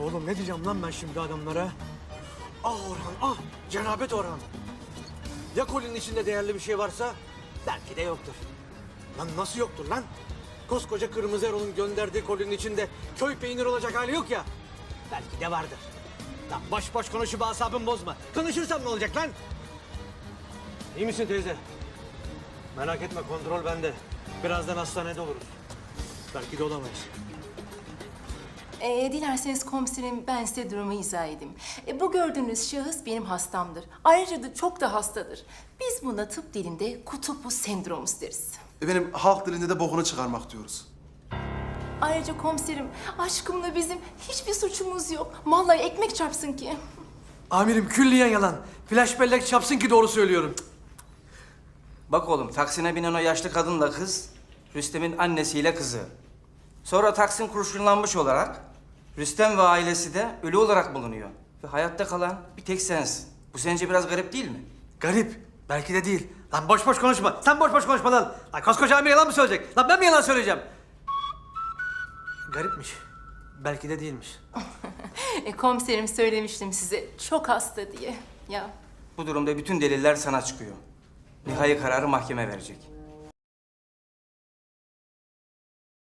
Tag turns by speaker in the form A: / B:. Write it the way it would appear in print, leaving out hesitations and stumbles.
A: Oğlum ne diyeceğim lan ben şimdi adamlara? Ah Orhan, ah! Cenabet Orhan! Ya kolinin içinde değerli bir şey varsa? Belki de yoktur. Lan nasıl yoktur lan? Koskoca Kırmızı Erol'un gönderdiği kolinin içinde köy peyniri olacak hali yok ya. Belki de vardır. Lan boş boş konuşup asabımı bozma. Konuşursam ne olacak lan? İyi misin teyze? Merak etme, kontrol bende. Birazdan hastanede oluruz. Belki de olamayız.
B: Dilerseniz komiserim ben size durumu izah edeyim. Bu gördüğünüz şahıs benim hastamdır. Ayrıca da çok da hastadır. Biz buna tıp dilinde kutuplu sendromus deriz.
C: Efendim halk dilinde de bokunu çıkarmak diyoruz.
B: Ayrıca komiserim aşkımla bizim hiçbir suçumuz yok. Vallahi ekmek çarpsın ki.
A: Amirim külliyen yalan. Flash bellek çapsın ki doğru söylüyorum.
D: Bak oğlum, Taksim'e binen o yaşlı kadınla kız, Rüstem'in annesiyle kızı. Sonra Taksim kurşunlanmış olarak, Rüstem ve ailesi de ölü olarak bulunuyor. Ve hayatta kalan bir tek sensin. Bu sence biraz garip değil mi?
A: Garip. Belki de değil. Lan boş boş konuşma. Sen boş boş konuşma lan. Lan koskoca amir yalan mı söyleyecek? Lan ben mi yalan söyleyeceğim? Garipmiş. Belki de değilmiş.
B: Komiserim söylemiştim size çok hasta diye. Ya
D: Bu durumda bütün deliller sana çıkıyor. Nihai kararı mahkeme verecek.